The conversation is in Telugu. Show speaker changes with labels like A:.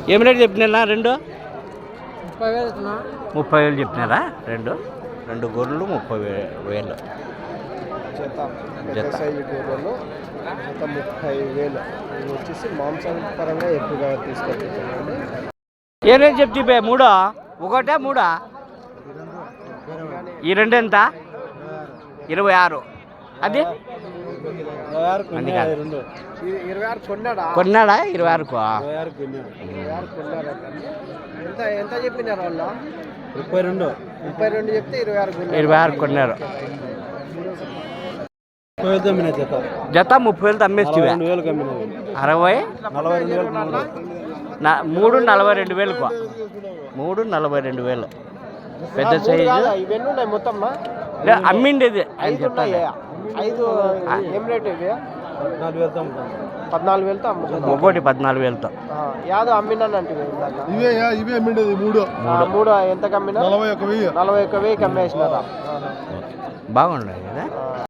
A: ఏం రేటు చెప్పినా రెండు
B: 30,000.
A: 30,000 చెప్పినారా రెండు రెండు గొర్రెలు 30,000
B: జత సైజు గొర్రెలు జత 30,000. ఇవి వచ్చేసి మాంసం పరంగా ఎక్కువగా తీసుకొచ్చేసామండి.
A: ఏ రేటు చెప్తే మూడో ఒకటే మూడా ఈ రెండు ఎంత 26 అది
B: 26
A: కొన్నాడా 26కు
B: ఎంత చెప్పినారు వాళ్ళు? 32 చెప్తే
A: 26 కొన్నారు. జత 30,000 అమ్మేస్తే 42,000 3,42,000 పెద్ద సైజు
B: ఇవన్నీ ఉన్నాయి మొత్తం
A: అమ్మిండేది ఆయన చెప్తాను.
B: 5 ఏం రేట్ ఇవి? 14,000తో అమ్ముతుంది.
A: ఒకటి 14,000తో
B: యాదో అమ్మినానంటే
C: ఇవే అమ్మిండేది మూడు
B: ఎంత కమ్మినా? 41,000 అమ్మేసినారా?
A: బాగుండదు కదా.